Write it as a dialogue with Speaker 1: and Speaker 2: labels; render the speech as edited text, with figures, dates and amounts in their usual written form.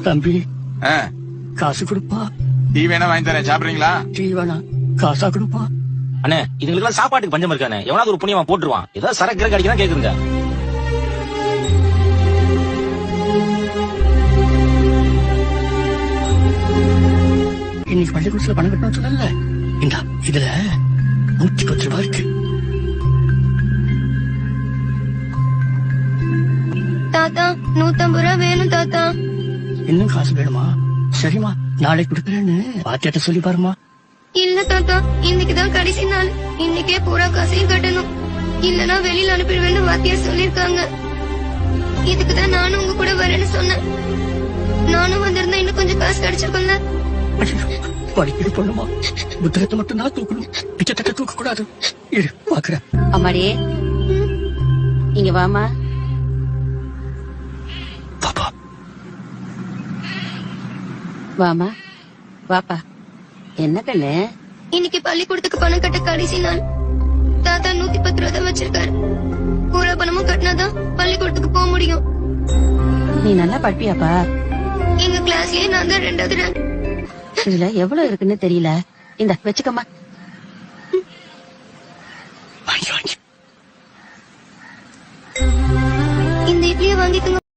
Speaker 1: தம்பி காசு கொடுப்பா.
Speaker 2: டீ வேணா வாங்கி தரேன், சாப்பிடுறீங்களா?
Speaker 1: டீ வேணா, காசா கொடுப்பா.
Speaker 3: அண்ணே இதுங்களுக்கு சாப்பாட்டுக்கு பஞ்சம் இருக்கானே, எவனாவது ஒரு புண்ணியமா போட்டுருவான். ஏதாவது சரக்கு அடிக்கலாம் கேக்குறீங்க.
Speaker 1: இன்னைக்கு பள்ளிக்கூடத்துல பணம் கட்டணும் சொல்லல, இந்தா இதுல 110 ரூபாய் இருக்கு.
Speaker 4: தாத்தா 150 ரூபாய் வேணும் தாத்தா.
Speaker 1: இன்னும் காசு வேணுமா? சரிம்மா, நாளைக்கு கொடுக்குறேன்னு பாத்தியாட்ட சொல்லி பாருமா.
Speaker 4: இல்ல தாத்தா, இன்னைக்குதான் கடைசி நாள். இன்னைக்கே பூரா காசையும் கட்டணும், இல்லனா வெளியில அனுப்பிடுவேன்னு வாத்தியார் சொல்லிருக்காங்க. இதுக்குதான் நானும் உங்க கூட வரேன்னு சொன்னேன். நானும் வந்திருந்தா இன்னும் கொஞ்சம் காசு கிடைச்சிருக்கும்ல.
Speaker 1: படிக்கிற பொண்ணுமா, புத்தகத்தை மட்டும் தான் தூக்கணும், பிச்சை தூக்க கூடாது. இரு பாக்குறேன்.
Speaker 5: அம்மாடியே இங்க வாமா.
Speaker 1: பாப்பா
Speaker 5: வாமா வாப்பா. என்ன கண்ணு?
Speaker 4: இன்னைக்கு பள்ளிக்கூடத்துக்கு பணம் கட்ட கடைசி நாள். தாத்தா 110 ரூபாய் தான் வச்சிருக்காரு. பூரா பணமும் கட்டினாதான் பள்ளிக்கூடத்துக்கு போக முடியும்.
Speaker 5: நீ நல்லா படிப்பியாப்பா?
Speaker 4: எங்க கிளாஸ்லயே நான் தான் 2வது ரேங்க்.
Speaker 5: இதுல எவ்வளவு இருக்குன்னு தெரியல. இந்த வச்சுக்கம்மா.
Speaker 4: இந்த இட்லியை வாங்கிக்கோங்க.